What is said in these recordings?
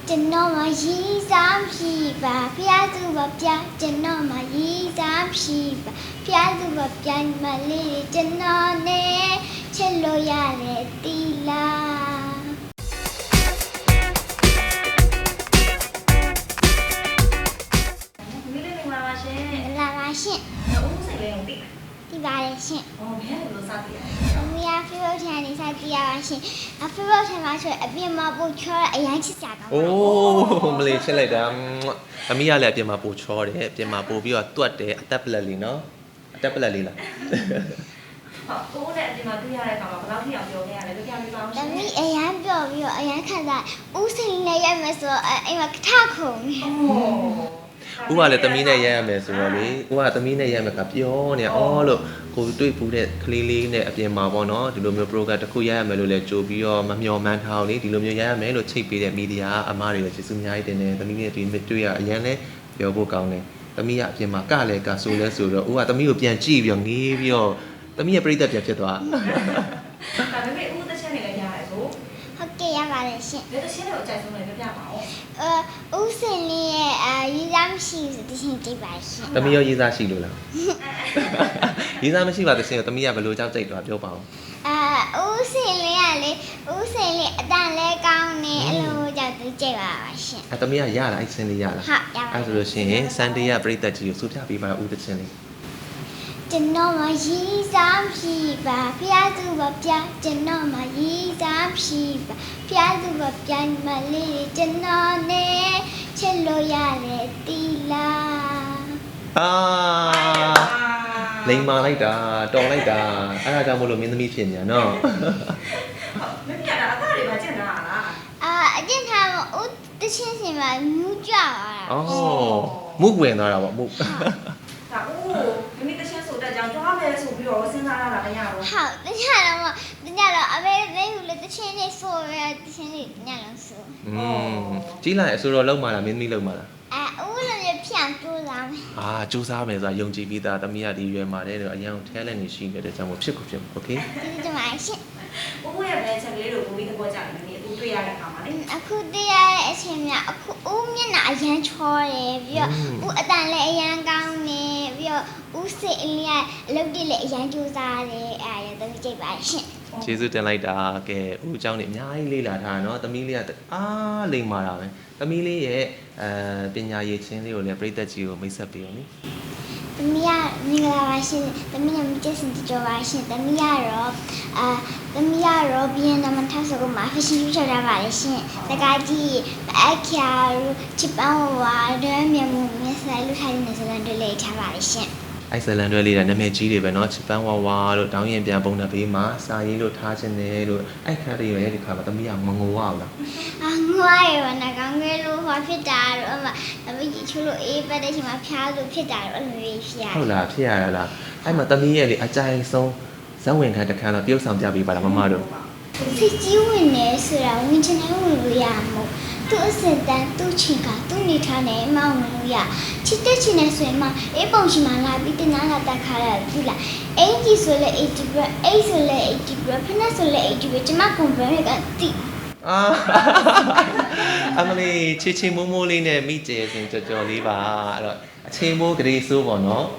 ကျွန်တော်မရေးစားဖြစ်ပါဖျားသူမပြကျွန်တော်မရေးစားဖြစ်ပါဖျားသူမပြမလေးကျွန်တော်နဲ့ချစ်လို့ရတယ်တီလာမိလေးမင်္ဂလာပါရှင်။လာပါရှင်။ဦးစိန်လေးကိုသိလား။ဒီပါလေရှင်။ဘယ်လိုစသိရလဲ။အမေက Facebook ထဲနေစသိရပါရှင်။ Facebook ထဲမှာဆိုအပြင်မှာပို့ချောအရင်ချစ်ကြတာ။အိုးမလေးချစ်လိုက်တာအမေကလည်းအပြင်မှာပို့ချောတယ်အပြင်မှာပို့ပြီးတော့တွတ်တယ်အသက်ပလက်လေးနော်အသက်ပလက်လေးလား။ဟုတ်ကိုနဲ့အပြင်မှာတွေ့ရတဲ့အခါမှာဘယ်လောက်ထိအောင်ပြောနေရလဲကြည့်ရအောင်ရှင်။တမီးအရင်ပြောပြီးတော့အရင်ခက်တာဦးစိန်နဲ့ရိုက်မယ်ဆိုတော့အိမ်မှာကထခုံ။ဦးကလည်းသမီးနဲ့ရိုက်ရမယ်ဆိုတော့လေဦးကသမီးနဲ့ရိုက်မယ်ကပြောနေအော်လို့ကိုတွေ့ပူတဲ့ကလေးလေးနဲ့အပြင်မှာပေါ့နော်ဒီလိုမျိုး program တစ်ခုရိုက်ရမယ်လို့လည်းကြိုပြီးတော့မမျှော်မှန်းထားအောင်လေဒီလိုမျိုးရိုက်ရမယ်လို့ချိတ်ပေးတဲ့မီဒီယာအမားတွေကိုကျေးဇူးအများကြီးတင်တယ်သမီးနဲ့တွေ့ရအရင်လည်းပြောဖို့ကောင်းတယ်သမီးကအပြင်မှာကလည်းကဆိုလဲဆိုတော့ဦးကသမီးကိုပြန်ကြည့်ပြီးတော့ငေးပြီးတော့သမီးရဲ့ပြိတ္တပြန်ဖြစ်သွားဒါပေမဲ့ဦးသက်ချက်နေလည်းရတယ်ဆိုဟုတ်ကဲ့ရပါတယ်ရှင်။ဒီသက်ချက်ကိုအကြိုက်ဆုံးလည်းပြပါဦး။ဦးစိန်လေးရဲ့ရေးစားမရှိဆိုတခြင်းကြိတ်ပါရှင်။သမီးရောရေးစားရှိလို့လား။ရေးစားမရှိပါသရှင်သမီးကဘယ်လိုကြောက်ကြိတ်တော့ပြောပါဦး။ဦးစိန်လေးကလေဦးစိန်လေးအတန်လဲကောင်းနေအလိုကြောက်သူကြိတ်ပါပါရှင်။သမီးကရလားအဲ့စင်းလေးရလား။ဟုတ်ရပါ။အဲ့ဆိုလို့ရှိရင်စန်ဒေးရပြိတ္တကြီးကိုစူးပြပေးပါဦးသချင်းလေးကျွန်တော်မရေးစားဖြစ်ပါဖျားသူမပြကျွန်တော်မရေးစားဖြစ်ပါဖျားသူမပြမလေးကျွန်တော်နဲ့ချစ်လို့ရတယ်တီလာလိန်မာလိုက်တာတော်လိုက်တာအဲ့ဒါကြောင့်မလို့မင်းသမီးဖြစ်ညာနော်မင်းပြတာအသားတွေပါကျင်တာလားအကျင့်ထားမဦးတချင်းစင်မှာမြူးကြသွားတာမုတ်ဝင်သွားတာပေါ့မုတ်ဒါဦးမိမိတချင်းဆိုတက်ကြောင်ကြွားမယ်ဆိုပြီးတော့စဉ်းစားရတာမရဘူးဟုတ်တခြားတော့အမေလေးကလည်းတချင်းလေးဆိုရတချင်းလေးညလုံးဆိုကြီးလိုက်အဆိုတော့လုံးမလားမင်းသမီးလုံးမလားဦးလည်းဖြန့်ကြိုးစားမယ်ကြိုးစားမယ်ဆိုတာယုံကြည်ပြီးသားသမီးကဒီရွယ်မှာတဲ့တော့အရင်က talent နေရှိနေတဲ့ကြောင့်ဖြစ်ကိုဖြစ်โอเคကျေးဇူးတင်ပါတယ်ရှင်ဦးရဲ့ဘယ်ချက်ကလေးတို့ကိုပြီးသဘောကျတယ်မင်းဦးတွေ့ရတဲ့အခါမှာလေအခုတွေ့ရတဲ့အချိန်မှာအခုဦးမျက်နှာအရန်ချောတယ်ပြီးတော့ဦးအတန်လည်းအရန်ကောင်းနေပြီးတော့ဦးစိတ်အလေးကအလုပ်တွေလည်းအရန်ကြိုးစားတယ်အဲ့ဒါသမီးကြိတ်ပါရှင်ကျေးဇူးတင်လိုက်တာကဲဦးအကြောင်းနေအများကြီးလေးလာထားနော်သမီးလေးကလိမ့်မာတာပဲသမီးလေးရဲ့ပညာရည်ချင်းလေးကိုလည်းပြိတ္တကြီးကိုမိတ်ဆက်ပေးအောင်နိသမီးကမင်္ဂလာပါရှင်သမီးကမကျစင်ကြောပါရှင်သမီးကတော့ဘီယန်နမထဆောကိုမှာ fashion show ချတာပါလေရှင်တကကြီးအခါချစ်ပန်းဝါဒမြန်မှုမြတ်ဆိုင်လူထိုင်နေစလန်တွေလေးထားပါလေရှင်အဲ့ဇလန်တွေလေးတာနာမည်ကြီးတွေပဲเนาะချစ်ပန်းဝါဝါလို့တောင်းရင်ပြန်ပုံတဲ့ဘေးမှာစာရေးလို့ထားခြင်းတယ်လို့အဲ့ခါတွေရဲ့ဒီခါမှာသမီးကမငိုရဘူးလားငိုရရောနာကောင်းကလေးလို့ဟောဖြစ်တာတော့အမသမီးကြီးချိုးလို့အေးပတ်တဲ့ချိန်မှာဖျားလို့ဖြစ်တာတော့အလိုဖြစ်ရတယ်ဟုတ်လားဖြစ်ရလားအဲ့မှာသမီးရဲ့လေအကြိုင်ဆုံးဇက်ဝင်ခန်းတစ်ခါတော့တရုပ်ဆောင်ပြပေးပါလားမမတို့စိတ်ကြီးဝင်နေဆိုတာဝင်ချင်တယ်ဝင်လို့ရမို့သူ့အစတန်သူ့ချင်ကသူ့နေထားနေမှဝင်လို့ရချစ်တဲ့ချင်နေဆိုရင်မှအေးပုံရှိမှလာပြီးတင်နာလာတက်ခါရပြီလားအင်ကြီးဆိုလဲ80 bra အိတ်ဆိုလဲ80 bra ဖနက်ဆိုလဲ80 bra ကျမကွန်ပရက်ကတိအမလေးချီချီမိုးမိုးလေးနဲ့မိကျဲစင်ကြော်လေးပါအဲ့တော့အချိန်မိုးကလေးစိုးပေါ့နော်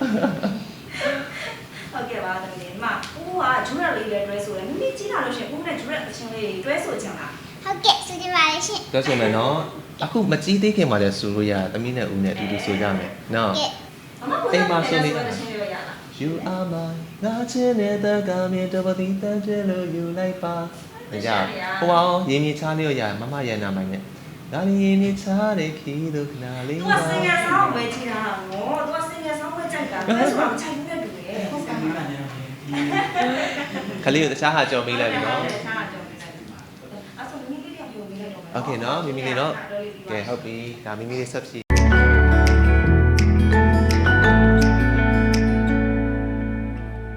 ဟုတ်ကဲ့ပါတမီးမဦးကဂျူရက်လေးလည်းတွဲဆိုတယ်မိမိကြီးလာလို့ရှင်ဦးနဲ့ဂျူရက်အချင်းလေးတွဲဆိုချင်လားဟုတ်ကဲ့ဆိုကြပါလေရှင်တွဲဆိုမယ်နော်အခုမကြီးသေးခင်မှာလည်းဆိုလို့ရသမီးနဲ့ဦးနဲ့အတူတူဆိုကြမယ်နော်အိမ်မှာဆိုနေ You are my ငါချင်းတဲ့ကမြေတပတိတန်ကျလို့ယူလိုက်ပါကြဟိုအောင်ရင်းမြချားလေးရမမရန်နာမိုင်းနဲ့ဒါရင်းမြချားတဲ့ခီးတို့ခနာလေးသူကစင်ငယ်ဆောင်းပဲကြည့်တာဟောသူကစင်ငယ်ဆောင်းပဲကြိုက်တာဒါဆိုတော့ခြိုက်နေတူတယ်ဟုတ်ကဲ့ခလေးကိုတခြားဟာကြော်ပေးလိုက်ပြီနော်တခြားဟာကြော်ပေးလိုက်ပြီအဲ့ဆိုမိမိလေးပြောပေးလိုက်တော့โอเคနော်မိမိလေးတော့ကဲဟုတ်ပြီဒါမိမိလေးဆက်ဖြည့်